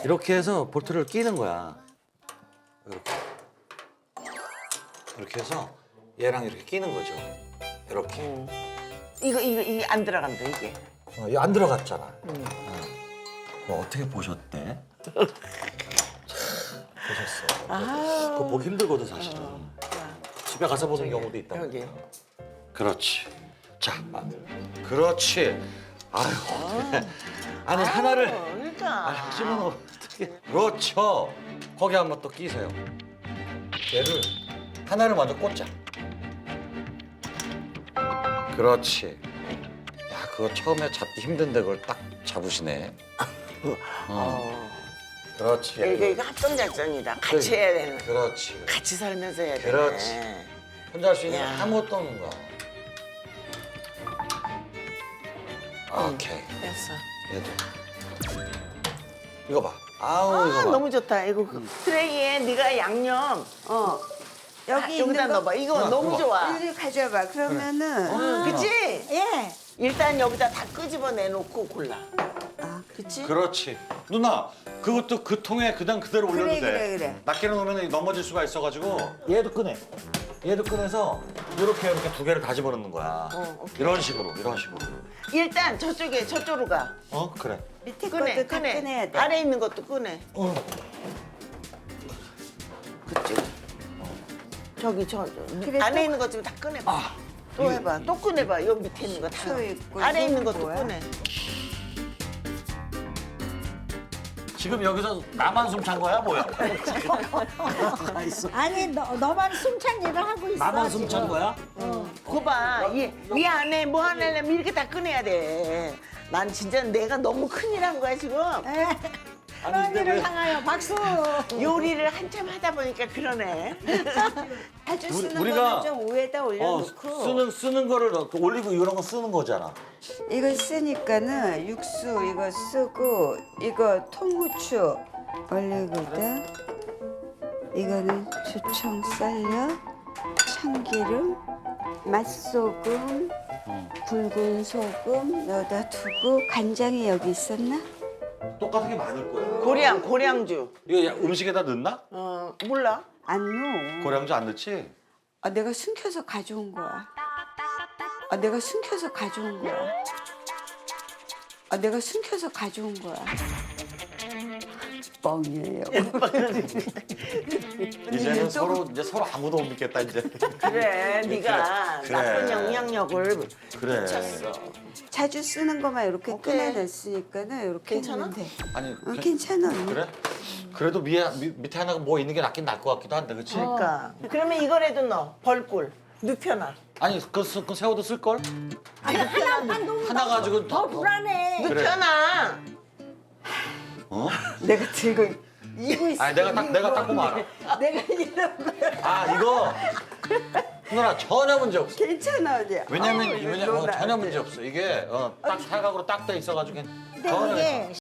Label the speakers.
Speaker 1: 이렇게 해서 볼트를 끼는 거야. 이렇게. 이렇게 해서 얘랑 이렇게 끼는 거죠. 이렇게.
Speaker 2: 이게 안 들어간다 이게.
Speaker 1: 이거 안 들어갔잖아. 그거 어떻게 보셨대? 보셨어. 그거 보기 힘들거든 사실은. 집에 가서 보는 경우도 있다.
Speaker 2: 여기.
Speaker 1: 그렇지. 자, 그렇지. 아유, 어떡해. 아니 하나를
Speaker 2: 그러니까.
Speaker 1: 집어넣어 어떻게? 그렇죠. 거기 한번 또 끼세요. 얘를 하나를 먼저 꽂자. 그렇지. 야, 그거 처음에 잡기 힘든데 그걸 딱 잡으시네. 그렇지.
Speaker 2: 이거 합동 작전이다. 같이 해야 되는.
Speaker 1: 그렇지.
Speaker 2: 같이 살면서 해야 되네.
Speaker 1: 그렇지. 혼자 할 수 있는
Speaker 2: 야.
Speaker 1: 건 아무것도 없는 거야. 오케이.
Speaker 2: 됐어.
Speaker 1: 얘도. 이거 봐. 아우 이거 봐.
Speaker 2: 너무 좋다. 이거 트레이에 네가 양념
Speaker 3: 여기
Speaker 2: 여기다
Speaker 3: 있는 거
Speaker 2: 넣어봐. 이거 너무 좋아.
Speaker 3: 이리 가져봐. 그러면은
Speaker 2: 그치?
Speaker 3: 예.
Speaker 2: 일단 여기다 다 끄집어 내놓고 골라.
Speaker 3: 아,
Speaker 2: 그치?
Speaker 1: 그렇지. 누나, 그것도 그 통에 그냥 그대로 올려도
Speaker 3: 그래,
Speaker 1: 돼.
Speaker 3: 그래, 그래.
Speaker 1: 낱개로 놓으면 넘어질 수가 있어가지고. 얘도 꺼내. 얘도 꺼내서 이렇게 두 개를 다 집어넣는 거야.
Speaker 2: 오케이.
Speaker 1: 이런 식으로, 이런 식으로.
Speaker 2: 일단 저쪽으로 가.
Speaker 1: 그래.
Speaker 3: 밑에
Speaker 2: 꺼내,
Speaker 3: 것도 다
Speaker 2: 꺼내.
Speaker 3: 꺼내야 돼.
Speaker 2: 아래 있는 것도 꺼내. 그쪽. 저기
Speaker 3: 그래,
Speaker 2: 안에
Speaker 3: 또-
Speaker 2: 있는 것 좀 다 꺼내봐. 또 해봐. 또 꺼내봐. 여기 밑에 있는 거 다.
Speaker 3: 수 있고,
Speaker 2: 아래 있는
Speaker 3: 이건
Speaker 2: 것도
Speaker 3: 뭐야?
Speaker 2: 꺼내.
Speaker 1: 지금 여기서 나만 숨 찬 거야, 뭐야?
Speaker 4: 아니 너만 숨찬 일을 하고 있어.
Speaker 1: 나만 숨 찬 거야?
Speaker 2: 그거 봐. 이 안에 뭐 하려면 이렇게 다 꺼내야 돼. 난 진짜 내가 너무 큰일 한 거야, 지금.
Speaker 4: 하나님을 향하여 박수.
Speaker 2: 요리를 한참 하다 보니까 그러네.
Speaker 3: 아주 쓰는
Speaker 1: 우리가-
Speaker 3: 거는 좀 위에다 올려놓고
Speaker 1: 쓰는 거를 올리고 이런 거 쓰는 거잖아.
Speaker 3: 이거 쓰니까는 육수 이거 쓰고 이거 통후추 올리거든. 이거는 주청 썰려 참기름 맛소금 굵은 소금 넣어다 두고 간장이 여기 있었나?
Speaker 1: 똑같은 게 많을 거야.
Speaker 2: 고량주.
Speaker 1: 이거 음식에다 넣나?
Speaker 2: 몰라.
Speaker 3: 안 넣어.
Speaker 1: 고량주 안 넣지?
Speaker 3: 아, 내가 숨겨서 가져온 거야. 아, 내가 숨겨서 가져온 거야. 아, 내가 숨겨서 가져온 거야. 뻥이에요.
Speaker 1: 이제는 서로 아무도 못 믿겠다 이제.
Speaker 2: 그래, 네가
Speaker 1: 그래.
Speaker 2: 나쁜 영향력을
Speaker 1: 그래.
Speaker 2: 미쳤어.
Speaker 3: 자주 쓰는 것만 이렇게
Speaker 2: 오케이.
Speaker 3: 꺼내놨으니까는 이렇게
Speaker 2: 괜찮아?
Speaker 3: 했는데.
Speaker 1: 아니
Speaker 3: 괜찮아.
Speaker 1: 그래? 그래도 밑에 하나가 뭐 있는 게 낫긴 나을 것 같기도 한데, 그렇지?
Speaker 2: 그러니까. 그러면 이거라도 넣어. 벌꿀. 눕혀놔.
Speaker 1: 아니 그 새우도 쓸 걸? 하나 가지고
Speaker 4: 더 불안해.
Speaker 1: 그래.
Speaker 2: 눕혀놔.
Speaker 1: 어?
Speaker 3: 내가 들고 이고 있어.
Speaker 1: 아니 내가 딱 보면 알아.
Speaker 3: 내가 이런 거야.
Speaker 1: 아 이거 누나 전혀 문제 없어.
Speaker 3: 괜찮아, 어디야.
Speaker 1: 왜냐면 전혀 문제 없어. 이게 딱 사각으로 딱 돼 있어가지고 전혀
Speaker 4: 근데 이게